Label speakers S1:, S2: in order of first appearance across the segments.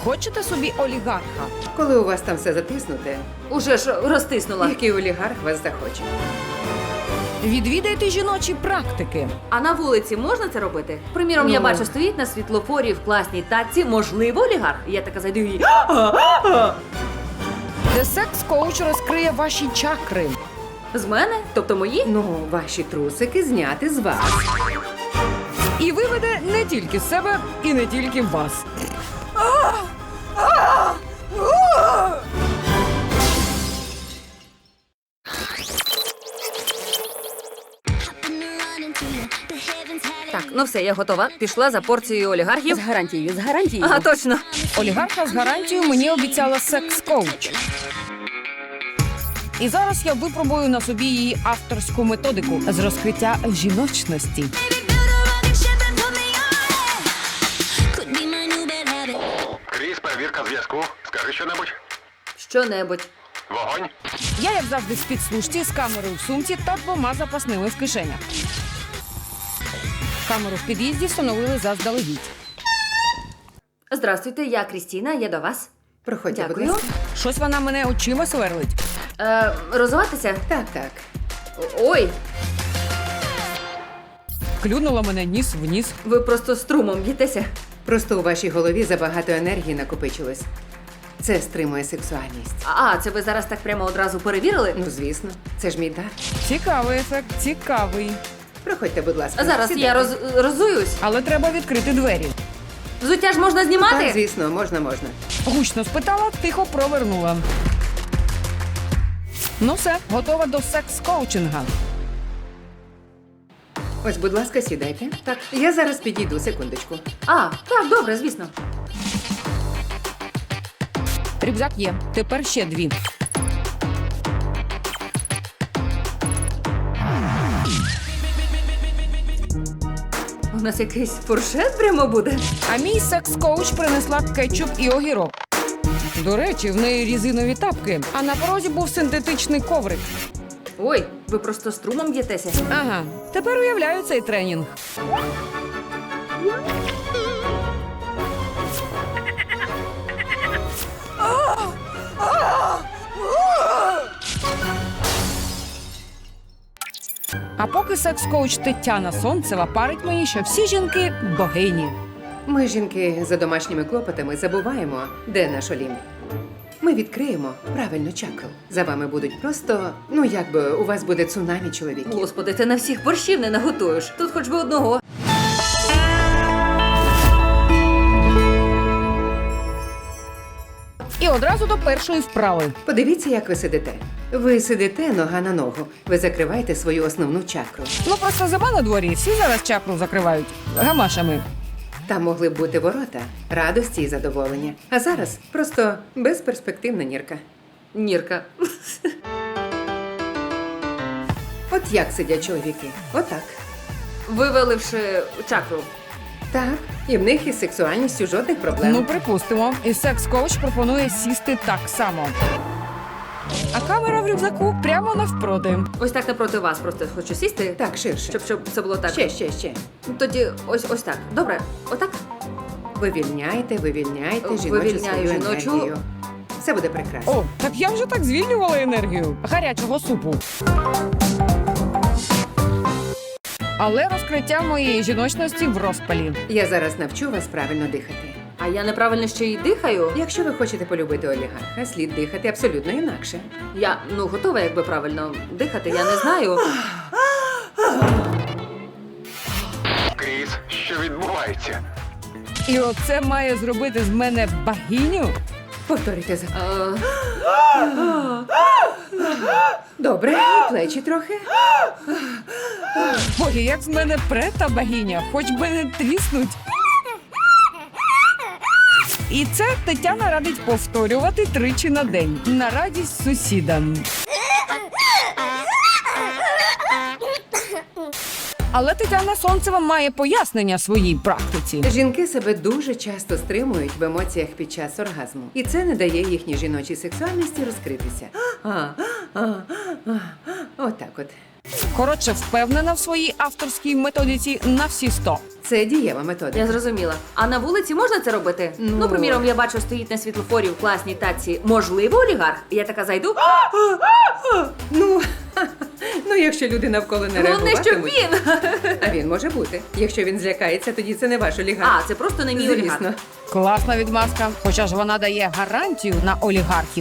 S1: Хочете собі олігарха?
S2: Коли у вас там все затиснуте,
S3: Уже ж розтиснула.
S2: який олігарх вас захоче?
S1: Відвідайте жіночі практики.
S3: А на вулиці можна це робити? Приміром, я
S2: Ну.
S3: бачу, стоїть на світлофорі в класній татці, можливо, олігарх. Я така зайду і...
S1: Де секс-коуч розкриє ваші чакри.
S3: З мене? Тобто мої?
S2: Ну, ваші трусики зняти з вас.
S1: І виведе не тільки себе, і не тільки вас.
S3: Так, ну все, я готова. Пішла за порцією олігархів.
S4: З гарантією, з гарантією.
S3: Ага, точно.
S1: Олігарха з гарантією мені обіцяла секс-коуч. І зараз я випробую на собі її авторську методику з розкриття жіночності.
S5: Кріс, перевірка зв'язку. Скажи щонебудь.
S3: Що-небудь.
S5: Вогонь.
S1: Я, як завжди, в спецслужці з камерою в сумці та 2 запасними в кишенях. Камеру в під'їзді встановили заздалегідь.
S3: Здравствуйте, я Крістіна, я до вас.
S2: Проходьте, будь
S3: Дякую.
S2: ласка.
S1: Щось вона мене очима сверлить.
S3: Розуватися?
S2: Так, так.
S3: Ой,
S1: Клюнула мене ніс в ніс.
S3: ви просто струмом б'єтеся.
S2: Просто у вашій голові забагато енергії накопичилось. Це стримує сексуальність.
S3: А, це ви зараз так прямо одразу перевірили?
S2: Ну, звісно, це ж мій дар.
S1: Цікавий ефект, цікавий.
S2: Проходьте, будь ласка.
S3: Зараз
S2: Сідайте.
S3: я розуюсь.
S1: Але треба відкрити двері.
S3: Взуття ж можна знімати?
S2: Так, звісно, можна.
S1: Гучно спитала, тихо провернула. Ну все, готова до секс-коучинга.
S2: Ось, будь ласка, сідайте. Так, я зараз підійду, секундочку.
S3: А, так, добре, звісно.
S1: Рюкзак є. Тепер ще 2.
S3: У нас якийсь фуршет прямо буде.
S1: А мій секс-коуч принесла кетчуп і огірок. До речі, в неї різинові тапки, а на порозі був синтетичний коврик.
S3: Ой, ви просто струмом б'єтеся.
S1: Ага, тепер уявляю цей тренінг. А поки секс-коуч Тетяна Сонцева парить мені, що всі жінки – богині.
S2: Ми, жінки, за домашніми клопотами забуваємо, де наш Олімп. Ми відкриємо правильну чакру. За вами будуть просто, ну якби у вас буде цунамі чоловіків.
S3: Господи, ти на всіх борщів не наготуєш. Тут хоч би одного.
S1: І одразу до першої вправи.
S2: Подивіться, як ви сидите. Ви сидите нога на ногу. Ви закриваєте свою основну чакру.
S1: Ну просто зима на дворі, всі зараз чакру закривають гамашами.
S2: Там могли б бути ворота, радості і задоволення. А зараз просто безперспективна нірка.
S3: Нірка.
S2: От як сидять чоловіки? Отак.
S3: Виваливши чакру.
S2: Так. І в них із сексуальністю жодних проблем.
S1: Ну, припустимо. І секс-коуч пропонує сісти так само. А камера в рюкзаку прямо навпроти.
S3: Ось так напроти вас просто хочу сісти.
S2: Так, ширше.
S3: Щоб це було так.
S2: Ще.
S3: Тоді ось так. Добре, отак.
S2: Вивільняйте жіночу
S3: Вивільняю
S2: свою
S3: жіночу.
S2: енергію. Все буде прекрасно.
S1: О, так я вже так звільнювала енергію гарячого супу. Але розкриття моєї жіночності в розпалі.
S2: Я зараз навчу вас правильно дихати.
S3: А я неправильно ще й дихаю.
S2: Якщо ви хочете полюбити олігарха, слід дихати абсолютно інакше.
S3: Я готова, якби правильно дихати, я не знаю.
S5: Кріс, що відбувається?
S1: І оце має зробити з мене богиню?
S2: Повторюйте за
S3: Е,
S2: добре, плечі трохи.
S1: Боги, як з мене прета богиня, хоч би не тріснуть. І це Тетяна радить повторювати 3 на день. На радість сусідам. Але Тетяна Сонцева має пояснення своїй практиці.
S2: Жінки себе дуже часто стримують в емоціях під час оргазму. І це не дає їхній жіночій сексуальності розкритися. Отак от.
S1: Коротше, впевнена в своїй авторській методиці на всі 100.
S2: Це дієва методика.
S3: Я зрозуміла. А на вулиці можна це робити?
S2: Ну.
S3: Ну, приміром, я бачу, стоїть на світлофорі в класній таці. Можливо, олігарх? Я така зайду.
S2: Ну, ну, якщо люди навколо не
S3: Головне, що
S2: реагуватимуть.
S3: він.
S2: А він може бути. Якщо він злякається, тоді це не ваш олігарх.
S3: А, це просто не мій олігарх.
S2: Звісно.
S1: Класна відмазка, хоча ж вона дає гарантію на олігархів.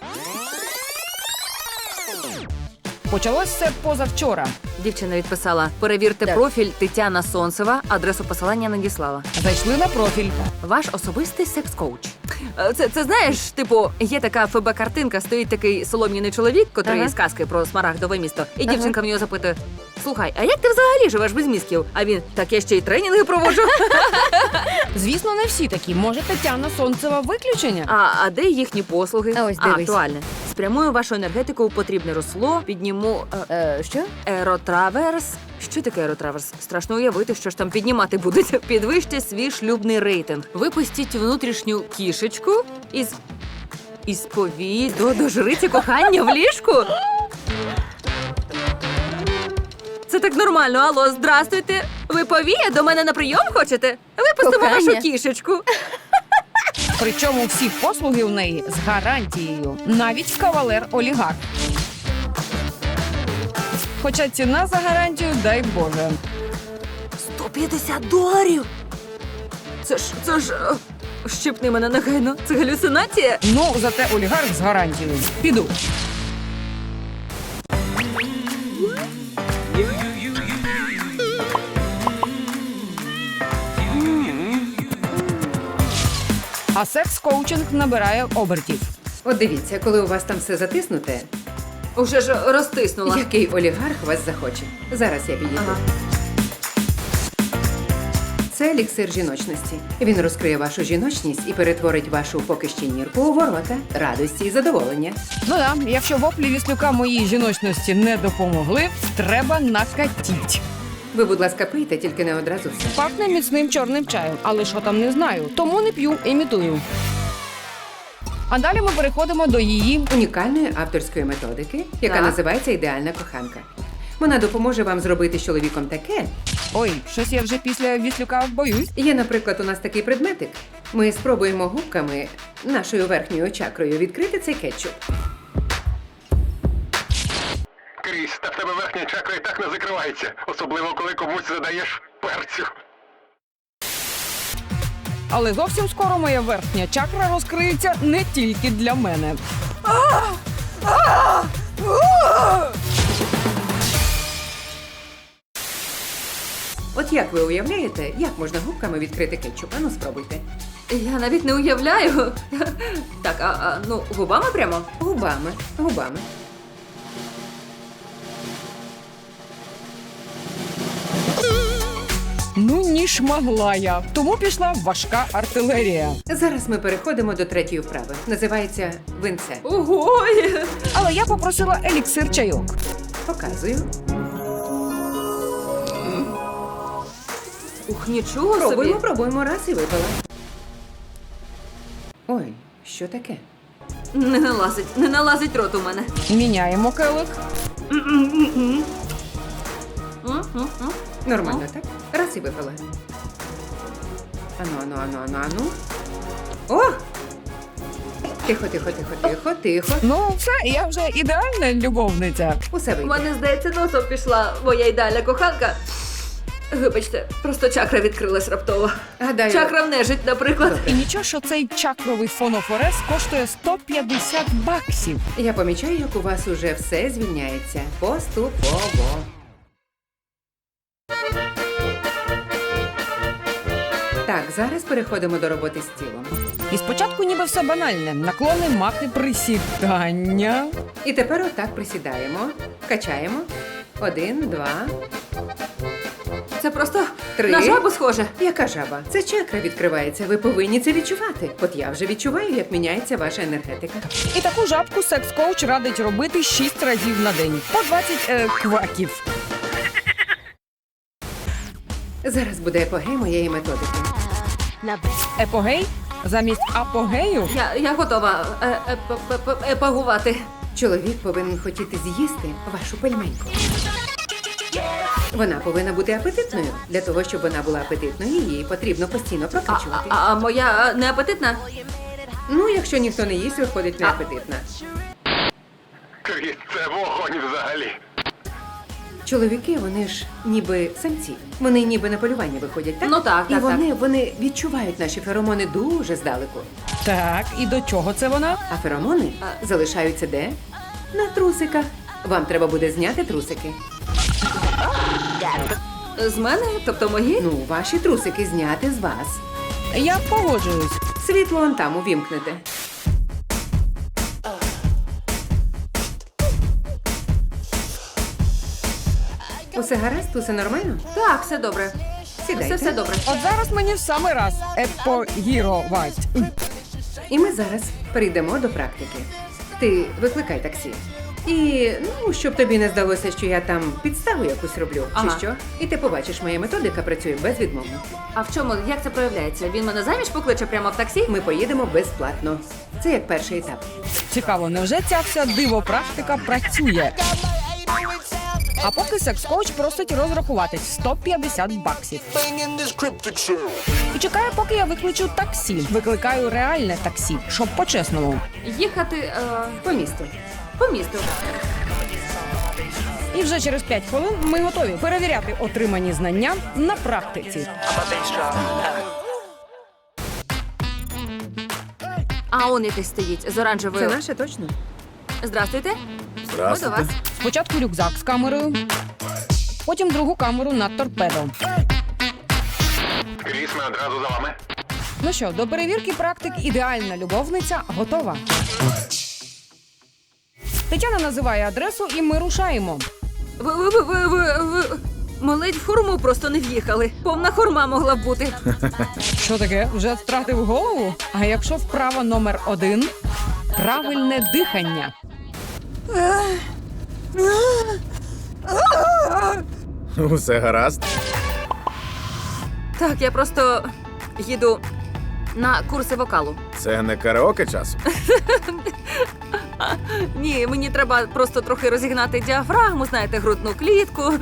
S1: Почалось все позавчора.
S3: Дівчина відписала: перевірте
S1: Так.
S3: профіль Тетяна Сонцева, адресу посилання надіслала.
S1: Зайшли на профіль.
S3: Ваш особистий секс-коуч. Це знаєш, типу, є така ФБ-картинка, стоїть такий солом'яний чоловік, котрий
S2: Ага.
S3: з казки про смарагдове місто. І дівчинка в нього запитує: слухай, а як ти взагалі живеш без мізків? А він: так я ще й тренінги проводжу.
S1: Звісно, не всі такі. Може, Тетяна Сонцева виключення?
S3: А де їхні послуги?
S2: А ось дивись.
S3: Актуальне. Спрямую вашу енергетику у потрібне русло, підніму
S2: Що?
S3: еротраверс. Що таке еротраверс? Страшно уявити, що ж там піднімати будете. Підвищте свій шлюбний рейтинг. Випустіть внутрішню кішечку із повій до жриці кохання в ліжку. Це так нормально. Алло, здрастуйте. Ви повія до мене на прийом хочете? Випустимо
S2: Кохання.
S3: вашу кішечку.
S1: Причому всі послуги в неї з гарантією. Навіть кавалер-олігарх. Хоча ціна за гарантію, дай Боже.
S3: $150? Це ж... Щипни мене негайно. Це галюцинація?
S1: Ну, зате олігарх з гарантією. Піду. А секс-коучинг набирає обертів.
S2: От дивіться, коли у вас там все затиснуте,
S3: Уже ж розтиснула.
S2: який олігарх вас захоче. Зараз я підійду.
S3: Ага.
S2: Це еліксир жіночності. Він розкриє вашу жіночність і перетворить вашу поки ще нірку у ворота радості і задоволення.
S1: Ну да, якщо воплі віслюка моїй жіночності не допомогли, треба накатіть.
S2: Ви, будь ласка, пийте, тільки не одразу все.
S1: Пахне міцним чорним чаєм, але що там не знаю, тому не п'ю, імітую. А далі ми переходимо до її.
S2: Унікальної авторської методики, яка
S3: Так.
S2: називається ідеальна коханка. Вона допоможе вам зробити з чоловіком таке.
S1: Ой, щось я вже після віслюка боюсь.
S2: Є, наприклад, у нас такий предметик. Ми спробуємо губками нашою верхньою чакрою відкрити цей кетчуп.
S5: Кріс, та в тебе верхня чакра і так не закривається. Особливо, коли комусь задаєш перцю.
S1: Але зовсім скоро моя верхня чакра розкриється не тільки для мене.
S2: От як ви уявляєте, як можна губками відкрити кетчуп? Ану, спробуйте.
S3: Я навіть не уявляю. Так, ну, губами прямо?
S2: Губами, губами.
S1: Ну, ніж могла я. Тому пішла важка артилерія.
S2: Зараз ми переходимо до третьої вправи. Називається винце.
S3: Ого!
S1: Але я попросила еліксир чайок.
S2: Показую.
S3: Ух, нічого
S2: Пробуємо,
S3: собі.
S2: пробуємо, раз і випила. Ой, що таке?
S3: Не налазить рот у мене.
S1: Міняємо келих.
S2: Нормально, так? Раз і випила. Ану. О! Тихо, тихо, тихо, тихо, тихо.
S1: Ну, все, я вже ідеальна любовниця.
S2: Усе
S3: У
S2: вийде.
S3: мене, здається, носом пішла моя ідеальна коханка. Вибачте, просто чакра відкрилась раптово.
S2: Гадаю,
S3: Чакра в нежить, наприклад.
S1: І нічого, що цей чакровий фонофорез коштує $150.
S2: я помічаю, як у вас уже все звільняється. Поступово. Так, зараз переходимо до роботи з тілом.
S1: І спочатку ніби все банальне. Наклони, махи, присідання.
S2: І тепер отак присідаємо, качаємо. 1, 2,
S3: Це просто
S2: 3.
S3: на жабу схоже.
S2: Яка жаба? Це чакра відкривається. Ви повинні це відчувати. От я вже відчуваю, як міняється ваша енергетика.
S1: І таку жабку секс-коуч радить робити 6 разів на день. По 20 кваків.
S2: Зараз буде епогей моєї методики.
S1: Епогей? Замість апогею?
S3: Я готова епагувати.
S2: Чоловік повинен хотіти з'їсти вашу пельменьку. Вона повинна бути апетитною. Для того, щоб вона була апетитною, її потрібно постійно прокачувати.
S3: А моя не апетитна?
S2: Ну, якщо ніхто не їсть, виходить неапетитна.
S5: Кріс, це вогонь взагалі.
S2: Чоловіки, вони ж ніби самці. Вони ніби на полювання виходять, так?
S3: Ну так,
S2: І
S3: так,
S2: вони відчувають наші феромони дуже здалеку.
S1: Так, і до чого це вона?
S2: А феромони залишаються де? На трусиках. Вам треба буде зняти трусики.
S3: З мене? Тобто мої?
S2: Ну, ваші трусики зняти з вас.
S1: Я погоджуюсь.
S2: Світло он там увімкнете. Усе гаразд? Усе нормально?
S3: Так, все добре.
S2: Сідайте.
S3: Все добре.
S1: От зараз мені в самий раз епогірувати.
S2: І ми зараз перейдемо до практики. Ти викликай таксі. І, ну, щоб тобі не здалося, що я там підставу якусь роблю,
S3: Ага.
S2: чи що. І ти побачиш, моя методика працює безвідмовно.
S3: А в чому? Як це проявляється? Він мене заміж покличе прямо в таксі?
S2: Ми поїдемо безплатно. Це як перший етап.
S1: Цікаво, невже ця вся диво-практика працює? А поки секс-коуч просить розрахуватись 150 баксів. І чекає, поки я викличу таксі. Викликаю реальне таксі, щоб по-чесному.
S3: Їхати
S2: По місту.
S3: по місту.
S1: І вже через 5 хвилин ми готові перевіряти отримані знання на практиці.
S3: А он якийсь стоїть з оранжевою.
S2: Це наше точно?
S3: Здрастуйте.
S4: Здравствуйте.
S3: Ми до вас.
S1: Спочатку рюкзак з камерою, потім другу камеру на торпедо.
S5: Кріс, ми одразу за вами.
S1: Ну що, до перевірки практик ідеальна любовниця готова. Тетяна називає адресу, і ми рушаємо.
S3: Ви. Ми ледь в хурму просто не в'їхали. Повна хурма могла б бути.
S1: Що таке? Вже втратив голову? А якщо вправа номер 1 – правильне дихання.
S4: Усе гаразд.
S3: Так, я просто їду на курси вокалу.
S4: Це не караоке часу.
S3: Ні, мені треба просто трохи розігнати діафрагму, знаєте, грудну клітку.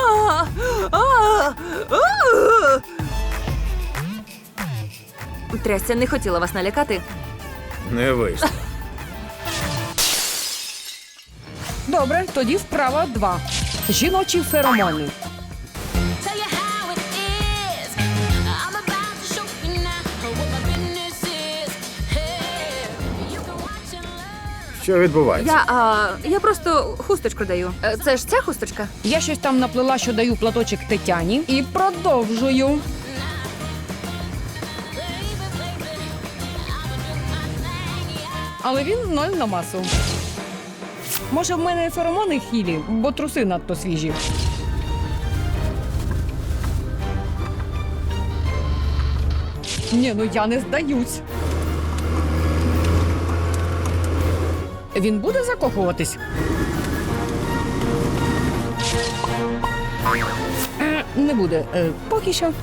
S3: Трясся, не хотіла вас налякати.
S4: Не вийшло.
S1: Добре, тоді вправа 2 – жіночі феромони.
S6: Tell you how it is. I'm about to show you now what my business is. Hey, you can watch and learn.
S4: Що відбувається?
S3: Я просто хусточку даю. Це ж ця хусточка?
S1: Я щось там наплела, що даю платочок Тетяні. І продовжую. Але він 0 на масу. Може, в мене феромони хілі, бо труси надто свіжі. Ні, ну я не здаюсь. Він буде закохуватись? Не буде. Поки що.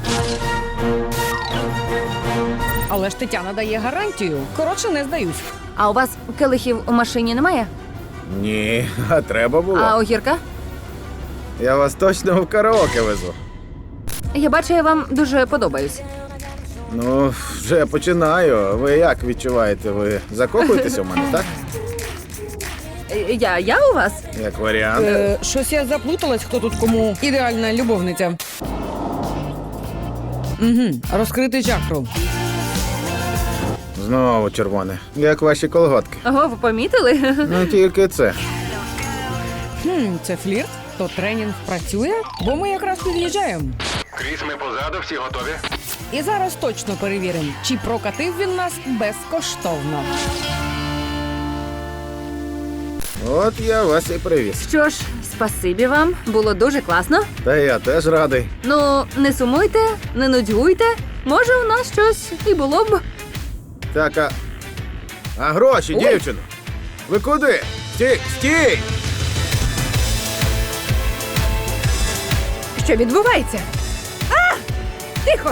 S1: Але ж Тетяна дає гарантію. Коротше, не здаюсь.
S3: А у вас келихів у машині немає?
S4: Ні, а треба було.
S3: А огірка?
S4: Я вас точно в караоке везу.
S3: Я бачу, я вам дуже подобаюсь.
S4: Ну, вже починаю. Ви як відчуваєте? Ви закохуєтеся в мене, так?
S3: Я у вас?
S4: Як варіант.
S1: Щось я заплуталась, хто тут кому ідеальна любовниця. Розкрити чакру.
S4: Знову червоне. Як ваші колготки.
S3: Ого, ви помітили?
S4: Ну тільки це.
S1: Це флірт? То тренінг працює? Бо ми якраз під'їжджаємо.
S5: Кріс, ми позаду, всі готові.
S1: І зараз точно перевіримо, чи прокатив він нас безкоштовно.
S4: От я вас і привіз.
S3: Що ж, спасибі вам, було дуже класно.
S4: Та я теж радий.
S3: Ну, не сумуйте, не нудьгуйте. Може, у нас щось і було б.
S4: Так, а гроші,
S1: Ой.
S4: дівчино? Ви куди? Стій! Стій!
S3: Що відбувається? Тихо!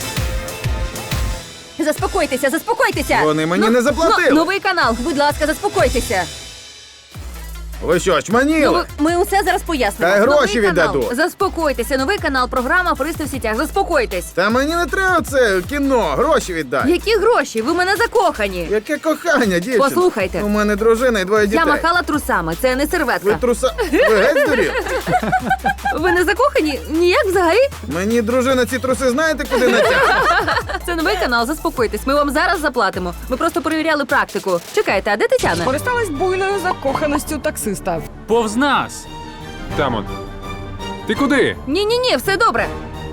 S3: Заспокойтеся, заспокойтеся!
S4: Вони мені не заплатили.
S3: Новий канал, будь ласка, заспокойтеся.
S4: Ви що,
S3: Ну,
S4: чманіли?
S3: ми усе зараз пояснимо.
S4: Та й
S3: Новий
S4: гроші
S3: канал.
S4: віддаду.
S3: Заспокойтеся, новий канал, програма «Аферисти в сітях». Заспокойтесь.
S4: Та мені не треба це кіно, гроші віддай.
S3: Які гроші? Ви в мене закохані.
S4: Яке кохання, дівчина?
S3: Послухайте.
S4: У мене дружина і двоє дітей.
S3: Я махала трусами, це не
S4: Ви
S3: серветка.
S4: Ви геть здурів?
S3: Ви не закохані? Ніяк взагалі?
S4: Мені дружина ці труси знаєте, куди натягне?
S3: Це новий канал, заспокойтесь. Ми вам зараз заплатимо. Ми просто перевіряли практику. Чекайте, а де Тетяна?
S1: Користалась буйною закоханістю таксиста.
S7: Повз нас. Тамон. Ти куди?
S3: Ні, все добре.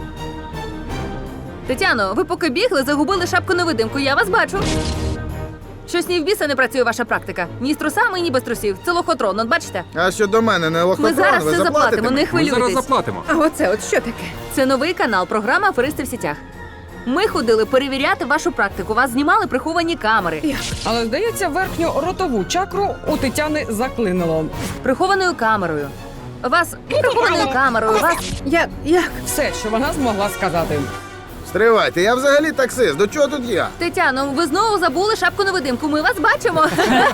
S3: Тетяно, ви поки бігли, загубили шапку-невидимку, я вас бачу. Щось ні в біса не працює ваша практика. Ні з трусами, ні без трусів. Це лохотрон, от бачите?
S4: А що до мене, не
S3: Ми
S4: лохотрон,
S3: зараз
S4: ви
S3: все
S4: заплатите
S3: заплатимо, не
S4: мені?
S7: Ми зараз
S3: хвилюйтесь.
S7: заплатимо.
S2: А оце от що таке?
S3: Це новий канал, програма «Аферисти в сітях». Ми ходили перевіряти вашу практику. Вас знімали приховані камери.
S1: Але, здається, верхню ротову чакру у Тетяни заклинило.
S3: Прихованою камерою. Вас прихованою камерою. Вас
S2: Як?
S1: Все, що вона змогла сказати.
S4: Стривайте, я взагалі таксист, до чого тут я?
S3: Тетяно, ви знову забули шапку-невидимку. Ми вас бачимо.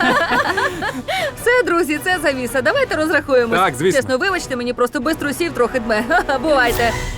S3: Все, друзі, це завіса. Давайте розрахуємось.
S7: Так, звісно.
S3: Чесно, вибачте, мені просто без трусів трохи дме. Бувайте.